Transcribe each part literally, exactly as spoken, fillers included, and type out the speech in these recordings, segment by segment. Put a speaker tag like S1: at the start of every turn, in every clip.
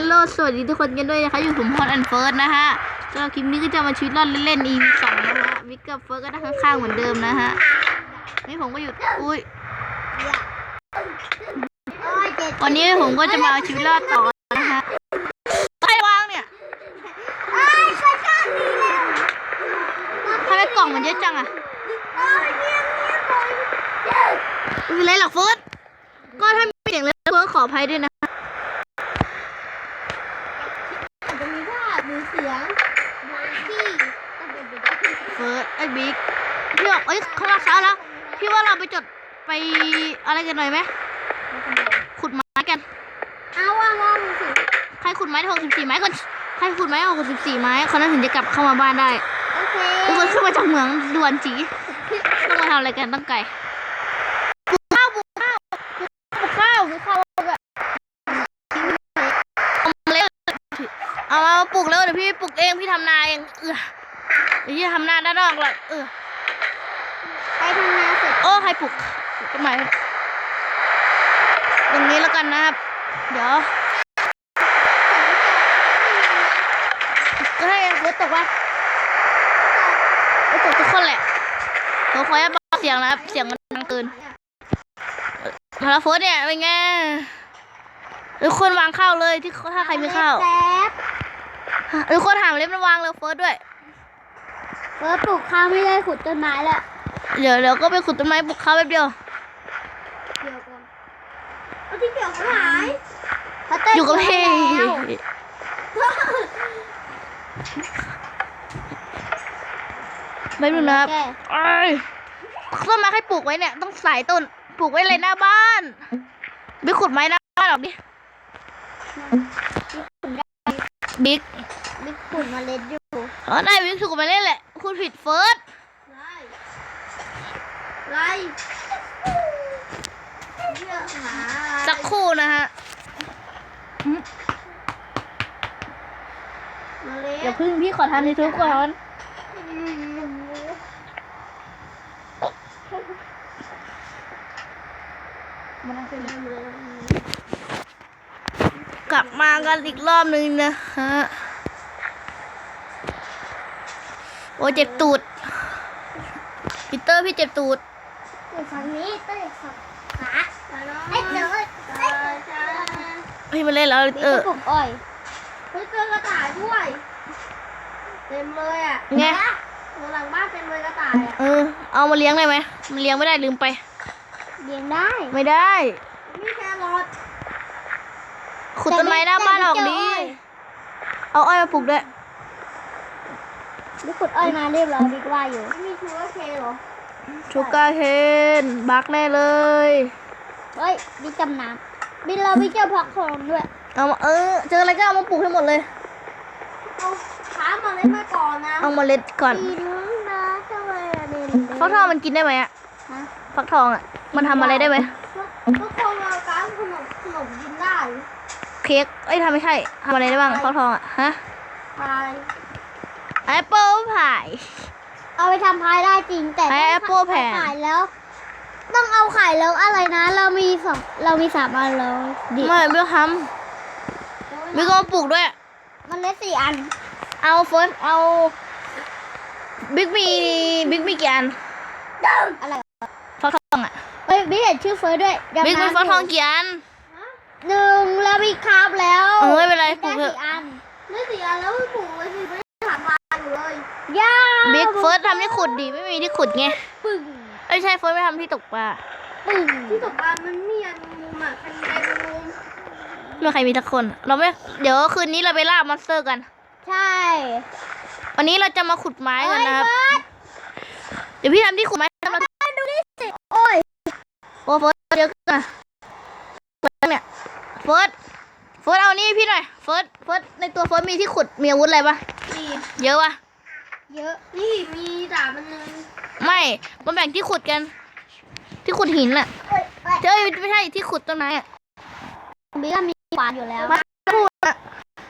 S1: ลสวัสดีทุกคนกันด้วยนะคะอยู่ผมพอนแอนเฟิร์สนะฮะสำหรับคลิปนี้ก็จะมาชีวิตรอดเล่นๆ อี พี สองนะฮะวิกกับเฟิร์สก็นั่งข้างๆเหมือนเดิมนะฮะนี่ผมก็อยู่อุ้ยวันนี้ผมก็จะมาเอาชีวิตรอดต่อนะฮะใครวางเนี่ยทำไมกล่องมันเยอะจังอะไม่เป็นไรหรอกเฟิร์สก็ถ้ามีเสียงเลยเฟิร์สขออภัยด้วยนะเฟิร์สไอ้บิ๊กพี่บอกเอ้ยเขาลักเช้าแล้วพี่ว่าเราไปจดไปอะไรกันหน่อยไหมขุดไม้กันเอาว่าว่ามึงสิใครขุดไม้ได้หกสิบสี่ไม้ก่อนใครขุดไม้หกสิบสี่ไม้คนนั้นถึงจะกลับเข้ามาบ้านได้โอเคทุกคนขึ้นมาจากเหมืองด่วนจีต้องมาทำอะไรกันต้องไก่ปลูกข้าวปลูกข้าวปลูกข้าวปลูกข้าวแบบเอามาปลูกแล้วเดี๋ยวพี่ปลูกเองพี่ทำนาเองเออเดี๋ยวพี่ทำนาด้านนอกเลยเออใครทำนาเสร็จโอ้ใครปลูกต้นไม้ตรงนี้แล้วกันนะครับเดี๋ยวก็ให้ฝนตกวะฝนตกทุกคนแหละผมขอให้เบาเสียงนะครับเสียงมันดังเกินมาแล้วฝนเนี่ยเป็นไงทุกคนวางข้าวเลยที่ถ้าใครมีข้าวทุกคนถามเล็บมันวางเลยเฟิร์สด้วย
S2: เฟิร์สปลูกข้าวไม่ได้ขุดต้นไม้แล้ว
S1: เดี๋ยวเดี๋ยวก็ไปขุดต้นไม้ปลูกข้าวแป๊บเดียว
S2: เดี๋ยวก่อนเอาที่เกี่ยวเขาหาย
S1: อยู่กับพี่ไม่รู้นะไอ้ต้นไม้ให้ปลูกไว้เนี่ยต้องสายต้นปลูกไว้เลยหน้าบ้านไม่ขุดไม้หน้าบ้านหรอกดิบิ๊ก
S2: บิ๊กขุดเมล็ดอยู่
S1: อ๋อได้บิ๊กขุดมาเล่นแหละคุณผิดเฟิร์ส
S2: ไร
S1: สักครู่นะฮะเดี๋ยวพึ่งพี่ขอทำยูทูบก่อนกลับมากันอีกรอบนึงนะฮะโอ้เจ็บตูดพีเตอร์พี่เจ็บตูด
S2: ฝั่งนี้เต้ยฝั่งขาไอ้เต้ย
S1: พี่มาเล่นแล้วเออ
S2: ปลูกอ้อยเฮ้ยเจอกระต่ายด้วยเต็มเลยอ่ะ
S1: ไง
S2: หลังบ้านเต็มเลยกระต่ายอ่ะ
S1: เออเอามาเลี้ยงได้ไหมมันเลี้ยงไม่ได้ลืมไป
S2: เลี้ยงได้
S1: ไม่ได้
S2: มีแครอท
S1: ขุดต้นไม้หน้าบ้านออกดีเอาอ้อยมาปลูกด้วย
S2: นี่ขุดอ้อยมาเรียบร้อยบิ๊กว่าอยู่มีชูการ์เคนเหรอ
S1: ชูการ์เคนบักแน่เลย
S2: เฮ้ยบิ๊กจำน้ำบิ๊กเราบิ๊กเจอผักทองด้วย
S1: เอามาเออเจออะไรก็เอามาปลูกให้หมดเลย
S2: เอาขามาเล็ดมาก่อนนะ
S1: เอามาเล็ดก่อนฟักทองมันกินได้ไหมอะฟักทองอะมันทำอะไรได้ไหม
S2: ฟักทองเราการขนมขนมกินได้
S1: เค้กเอ้ยทำไม่ใช่ทำอะไรได้บ้างฟักทองอะฮะ
S2: พาย
S1: แอปเปิลพาย
S2: เอาไปทำพายได้จริงแต่
S1: แอปเปิลแผ่น
S2: ขายแล้วต้องเอาไข่แล้วอะไรนะเรามีสองเรามีสามอันแล้ว
S1: ไม่ไม่ทำไม่ก็ปลูกด้วย
S2: มันได้สี่อัน
S1: เอาเฟิร์สเอาบิ๊กมีบิ๊กมีกี่อัน
S2: อะไร
S1: ฟักทองอ่ะ
S2: เฮ้ยบิ๊กเห็นชื่อเฟิร์สด้วย
S1: บิ๊กมีฟักทองกี่อัน
S2: หนึ่งแล้วมีคาบแล้ว
S1: เออไม่เป็นไรปลูก
S2: เถอะได้สี่อันแล้วปลูกไว้สิไม่ถามมาอยู่เลย
S1: ย่าบิ๊กเฟิร์สทำที่ขุดดีไม่มีที่ขุดไง
S2: ปึ้ง
S1: ไม่ใช่เฟิร์สไม่ทำที่ตกปลา
S2: ปึ้งที่ตกปลามันมีอันมุมอ่ะใครมีอันมุม
S1: ไม่ใครมีทักคนเราไม่เดี๋ยวคืนนี้เราไปล่ามอนสเตอร์กัน
S2: ใช่
S1: วันนี้เราจะมาขุดไม้กันนะครับเดี๋ยวพี่ทำที่ขุดไม้ทำเรา
S2: ดูนี่สิโอ้ย
S1: โอ้เฟิร์สเยอะกันเฟิร์สเนี่ยเฟิร์สเฟิร์สเอานี่พี่หน่อยเฟิร์สเฟิร์สในตัวเฟิร์สมีที่ขุดมีอาวุธอะไรปะ
S2: มี
S1: เยอะปะ
S2: เยอะนี่มีดาบมันนึง
S1: ไม่มาแบ่งที่ขุดกันที่ขุดหินอะเจ้าไม่ใช่ที่ขุดต้นไม้อะ
S2: บิ๊กมีขวานอยู่แล้ว
S1: มาพูดอะ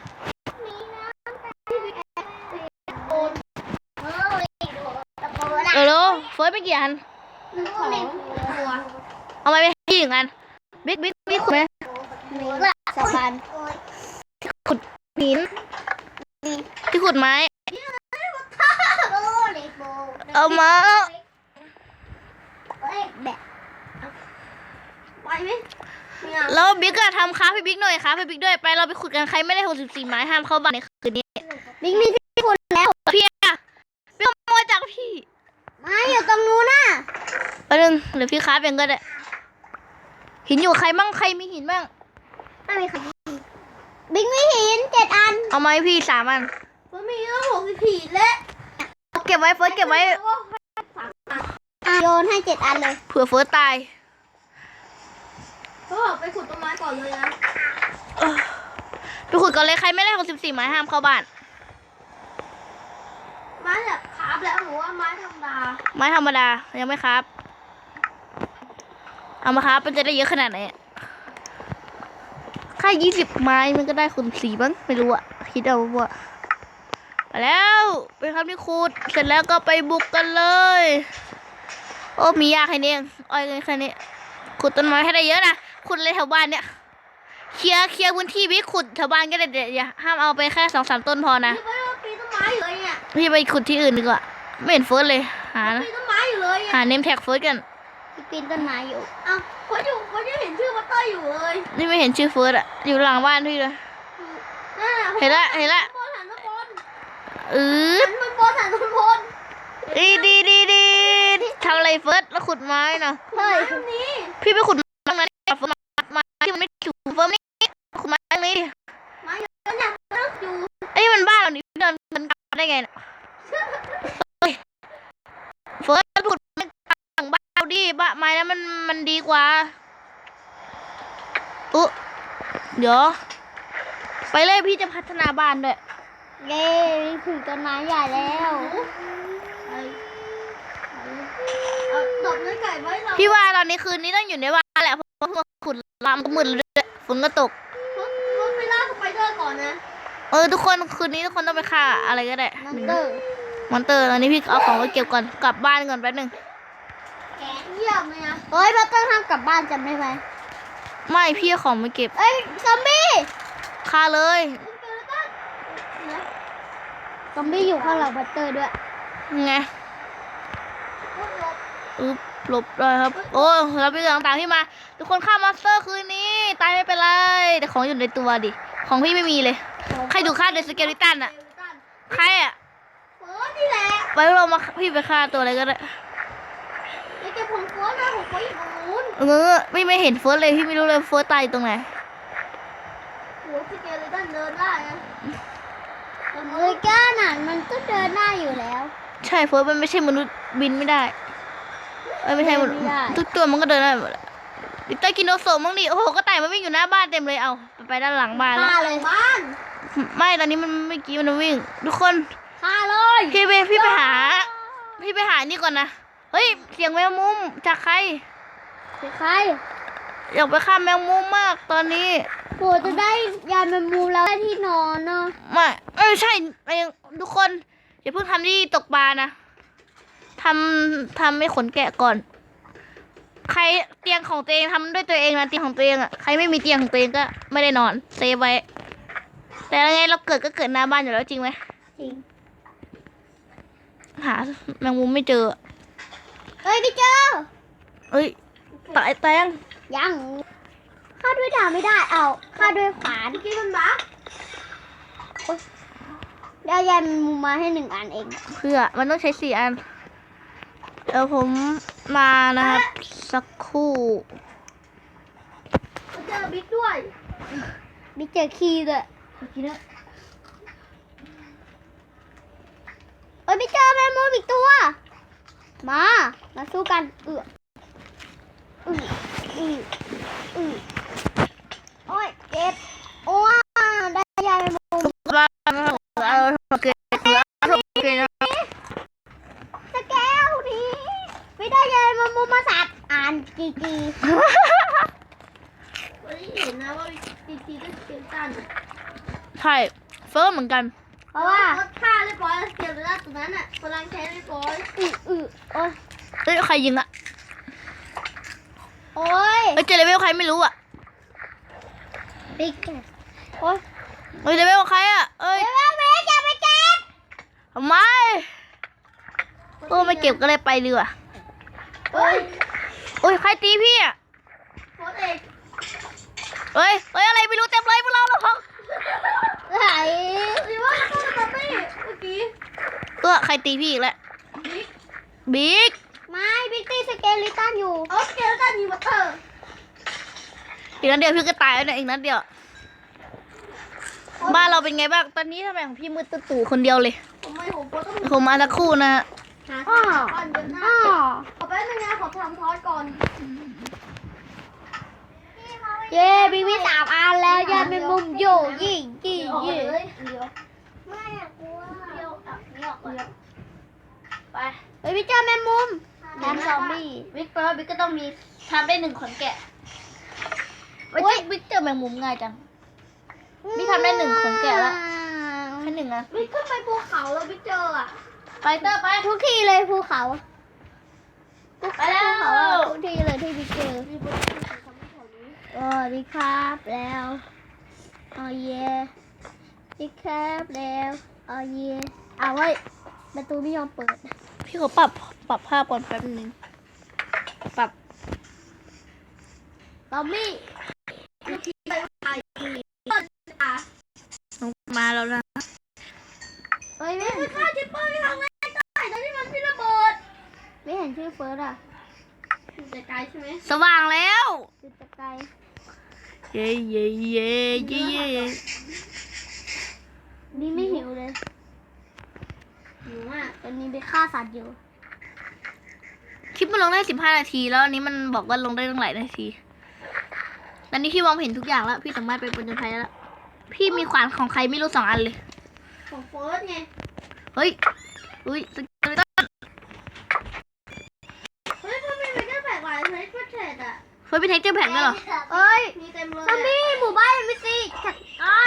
S1: เออโลเฟิร์สไปกี่อันเอามาไปกี่อันบิ๊กบิ๊กบิ๊กขุดไหม
S2: สะพาน
S1: ขุดหินที่ขุดไม้เอามา
S2: แบบ
S3: ไปไหมไม่เอา
S1: แล้วบิ๊กก็ทำค้าพี่บิ๊กหน่อยค้าพี่บิ๊กด้วยไปเราไปขุดกันใครไม่ได้หกสิบสี่ไม้ห้ามเข้าบ้านในคืนนี้
S2: บิ๊กมีที่คุณแล้ว
S1: พี่อะพี่ขโมยจากพี่
S2: มาอยู่ตรงนู้นน่ะ
S1: แป๊บนึงเดี๋ยวพี่ค้าเป็นก็ได้หินอยู่ใครบ้างใครมีหินบ้าง
S2: ไม่มีใครบิ๊กมีหินเจ็ดอัน
S1: เอามาให้พี่สามอัน
S3: มันมีตั้งหกสิบสี่แล้ว
S1: เอาเก็บไว้เฟิร์สเก็บไว้
S2: อ่ะโยนให้เจ็ดอันเลย
S1: เผื่อเฟิร์สตาย
S3: ก็บอกไปขุดต้นไม้ก่อนเลยนะ
S1: ไปขุดก่อนเลยใครไม่ได้หกสิบสี่ไม้ห้ามเข้าบ้าน
S3: ไม้แบบคาบแล้วหนูว่าไม้ธรรมดา
S1: ไม้ธรรมดายังไม่ครับ เอามาครับมันจะได้เยอะขนาดไหนแค่ยี่สิบไม้มันก็ได้คูณสี่บ้างไม่รู้อะคิดเอาว่าไปแล้วไปครับที่ขุดเสร็จแล้วก็ไปบุกกันเลย โอ้มียาแค่นี้เองอ้อยแค่นี้ขุดต้นไม้ให้ได้เยอะนะขุดเลยแถวบ้านเนี่ยเคลียร์เคลียร์พื้นที่พี่ขุดแถวบ้านก็ได้เดี๋ยวอย่าห้ามเอาไปแค่สองสามต้นพอนะ
S3: นี่ไม่ว่าปีนต้นไม้อยู่เลยเนี่ย
S1: พี่ไปขุดที่อื่นดีกว่าไม่เห็นเฟิร์สเลยหานะ
S3: ปีนต้นไม้อยู่เลย
S1: หา
S3: เนี่ย
S1: เนมแท็กเฟิร์สกัน
S2: บิ๊กปีนต้นไม้อยู่
S3: เอ้าเขาอยู่เขาจะเห็นชื่อมาเตอร์อยู่เลย
S1: นี่ไม่เห็นชื่อเฟิร์สอะอยู่หลังบ้านพี่เลย
S3: นั่นน่ะ
S1: เห็นละเห็นละ
S3: บนหันบน
S1: เออ
S3: หันบนบนหันบนบน
S1: ดีดีดีดีทำอะไรเฟิร์สแล้วขุดไม้เนาะ
S3: เฮ้ยตรงนี้
S1: พี่ไปขุดไม้ตรงนั้นดิเฟิร์สไม้ที่มันไม่ถูกเฟิร์สนี่ขุดไม้ตรงนี้ดิ
S3: ไม้อยู่นั่นน่ะนั่งอยู่
S1: ไอ้ยมันบ้านเรานี่เดินมันกลับได้ไงเนี่ยเฮ้ยเฟิร์สขุดไม้หลังบ้านเราดิบ้านไม้นั้นมันมันดีกว่าอุ๊เดี๋ยวไปเลยพี่จะพัฒนาบ้านด้วย
S2: เย้ถึงต้นไม้ใหญ่แล้ว
S3: ไอ้เอาตบเนื้อไก่ไว้เรา
S1: พี่ว่าตอนนี้คืนนี้ต้องอยู่ในบ้านแหละเพราะว่าขุดลามก็มืดเลยด้วยฝนก็ตก
S3: รถรถไปล่าสไปเดอร์ก่อนนะ
S1: เออทุกคนคืนนี้ทุกคนต้องไปฆ่าอะไรก็ได้
S2: มอนเตอร์
S1: มอนเตอร์ตอนนี้พี่เอาของไปเก็บก่อนกลับบ้านก่อนแป๊บนึง
S3: แกะเยี่ยมเลยนะ
S2: เฮ้ยเราต้องห้ามกลับบ้านจำได้ไหม
S1: ไม่พี่เอาของมาเก็บ
S2: เอ้ยซอมบี้
S1: ฆ่าเลย
S3: เจอแล้วก็
S2: ซอมบี้อยู่ข้างหลังบัตเตอร์ด้วย
S1: ไง
S3: รถรถ
S1: อึ๊บหลบเลยครับ โอ้เราไปเรื่องต่างๆที่มา ทุกคนฆ่ามอนสเตอร์คืนนี้ตายไม่เป็นไรแต่ของอยู่ในตัวดิของพี่ไม่มีเลย ใครถูกฆ่าโดยสเกลิตันอะใครอะ
S3: เฟิร์สนี่แหละ
S1: ไปเรามาพี่ไปฆ่าตัวอะไรก็ได้
S3: ไอ้แกผมเฟิร์สนะผมเฟิร์สอยู่ตรงนู้น
S1: เออไม่ไม่เห็นเฟิร์สเลยพี่ไม่รู้เลยเฟิร์สตายอยู่ตรงไหน
S3: หัวสเกเลตันเดินได้นะ
S2: เฮ้ยก้าหนันมันก็เดินได้อยู่แล้ว
S1: ใช่เฟิร์สมันไม่ใช่มนุษย์บินไม่ได้เอ้ยไม่ใช่มนุษย์
S2: ไม่ได้
S1: ทุกตัวมันก็เดินได้หมดแหละดิต้ากินโนโซมั้งดิโอ้โหก็ต่ายมันวิ่งอยู่หน้าบ้านเต็มเลยเอาไปไปด้านหลังบ้านแล้ว
S2: ฆ่าเลย
S3: บ้าน
S1: ไม่ตอนนี้มันเมื่อกี้มันวิ่ง ทุกคน
S2: ฆ่าเลย
S1: พี่ไปพี่ไปหา พี่ไปหานี่ก่อนนะเฮ้ยเสียงแมงมุมจากใคร
S2: คือใคร
S1: อยากไปฆ่าแมงมุมมากตอนนี้
S2: โหจะได้ยานแมงมุมแล้วได้ที่นอนเนาะ
S1: ไม่เอ้ยใช่ไอ้ทุกคนอย่าเพิ่งทำที่ตกปลานะทำทำให้ขนแกะก่อน ใครเตียงของตัวเองทำด้วยตัวเองนะเตียงของตัวเองอ่ะใครไม่มีเตียงของตัวเองก็ไม่ได้นอนเซฟไว้แต่ยังไงเราเกิดก็เกิดหน้าบ้านอยู่แล้วจริงไหม
S2: จริง
S1: หาแมงมุมไม่เจอ
S2: เฮ้ยพี่เจอ
S1: เอ้ยตายแตง
S2: ยังฆ่าด้วยดาบไม่ได้เอาฆ่าด้วยขวาน
S3: เมื่อกี้มันบั๊ก
S2: ได้ยานแมงมุมมาให้หนึ่งอันเอง
S1: เพื่อมันต้องใช้สี่อันเดี๋ยวผมมานะครับสักครู่
S3: เจอบิ๊กด้วย
S2: มีเจอคีย์ด้วยเอ้ยไม่เจอแมงมุมอีกตัว มา มาสู้กัน เอออืออืออือโอ้ยเจ็บ โอ้ยได้ยายแมงมุม
S1: มาเอาโอเคโอเคนะ
S2: สแกลดีไม่ได้ยายแมงมุมมาสัตว์อ่านจีจี
S3: วันนี้เห็นนะว่าบีทีก็สเกเลตัน
S1: ใช่เฟิร์มเหมือนกัน
S2: เพราะว่า
S3: รถฆ่าเรียบร้อยแล้วสเกเลตันตัวนั้นอ่ะกำลังใช้เรียบร้อย
S2: อืออือโอ้ย
S1: เฮ้ยใครยิงอะ
S2: โอ้ย
S1: เฮ้ยเจเลเวลใครไม่รู้อะ
S2: บิ๊กโอ้ย
S1: เฮ้ยเลเวลใครอ่ะเอ้ย
S2: เร็วๆเบสอย่าไปเก็บ
S1: ทำไมโอ้ไม่เก็บก็เลยไปเรือ
S3: เฮ้ย
S1: โอ้ยใครตีพี่อ่ะ
S3: โคตรเอก
S1: เฮ้ยเฮ้ยอะไรไม่รู้เต็มเลยพวกเราเหรอครับ
S2: ไหน
S3: หรือว่าต้องมาตี้เมื่อกี้
S1: เออใครตีพี่อีกแล้ว
S3: บิ๊ก
S1: บิ๊ก
S2: ไม่บิ๊กตี้สเกลิตันอยู่
S3: โอเคแล้วกันมีวัตเตอร์
S1: อีกนัดเดียวพี่ก็ตายแล้วเนี่ยอีกนัดเดียวบ้านเราเป็นไงบ้างตอนนี้ทำไมของพี่มืดตุ๊ตู่คนเดียวเลย
S3: ผมไม่ผมก็ต้อง
S1: ผมมาสักครู่นะฮะ
S3: หาที่หาก่อนเดินหน้า
S2: อ้อ
S3: ขอแป๊บนึงนะขอทำทอดก่อน
S2: เย้บิ๊กมีสามอันแล้วยาเป็นมุมอยู่ยิ่งยิ่ง
S3: ออก
S2: ยิ่ง
S3: เลยเดี๋ยวไม่อะกลัวเดี๋ยวอ่ะนี่ออกเลยไป
S2: เฮ้ยพี่เจอแมงมุมแมงซอมบี้
S1: บิ๊กแปลว่าบิ๊กก็ต้องมีทำได้หนึ่งขนแกะโอ้ยบิ๊กเจอแมงมุมง่ายจัง พี่ทำได้หนึ่งขนแกะแล้ว แค่หนึ่งนะ
S3: บิ๊กขึ้นไปภูเขาแล้วบิ๊กเจออ่ะ
S1: ไปเตอร์ไป
S2: ทุกทีเลยภูเขา
S1: ไปแล้ว
S2: ภูเขาอะทุกทีเลยที่บิ๊กเจอเออบิ๊กครับแล้วอ๋อเย่บิ๊กครับแล้วอ๋อเย่เอาไว้ยประตูไม่ยอมเปิด
S1: พี่ขอปรับปรับภาพก่อนแป๊บนึงปรับ
S2: ซอมบี้
S1: มาแล้วนะ
S2: เฮ้ยไม่เห็น
S3: ข้าจิปเปอร์ไม่ทำไงได้ตอนที่มันพี่ระเบิด
S2: ไม่เห็นชื่อเฟิร์สอ่ะ
S3: อยู่ไกลๆใช่ไหม
S1: สว่างแล้ว
S2: จุดตะไกร
S1: เย้เย้เย้เย้เย้
S2: นี่ไม่หิวเลย
S3: หิวมาก
S2: ตอนนี้ไปฆ่าสัตว์อยู่
S1: คลิปมันลงได้สิบห้านาทีแล้วอันนี้มันบอกว่าลงได้ตั้งหลายนาทีตอนนี้พี่มองเห็นทุกอย่างแล้วพี่สามารถไปบนจนภัยแล้วพี่มีขวานของใครไม่รู้สองอันเลย
S3: ของเฟิร์สไง
S1: เฮ้ยอุ้ยสเกเลตัน
S3: เฮ้ยทำไมมันแค่แปลกหลายเฮ้ยก็เทรดอ่ะ
S1: เฮ้ยเป็นเทคเจอร์แพ็กด้วยเหรอ
S2: เอ้ย
S3: มีเต็มเลย
S2: ซอมบี้หมู่บ้านมีสิจัดการ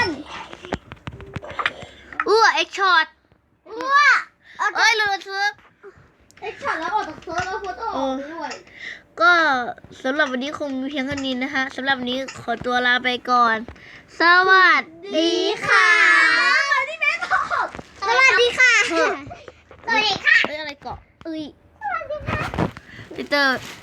S1: อู้เอ็กช็อต
S2: อ้ว
S1: เอ้ยลืมซื้อ
S3: เอ็กซ์ช็อตแล้วออกจากเฟิร์สแล้วเฟิร์สออกไปด้วย
S1: ก็สำหรับวันนี้คงมีเพียงเท่านี้นะฮะสำหรับวันนี้ขอตัวลาไปก่อน สวัสดีค่ะ
S3: มาที่แม่ตอบ
S2: สวัสดีค่ะ
S1: เฮ้ย
S2: สวัสดีค่ะ
S1: เอ้ยอะไรเกาะเอ้ยพีเตอร์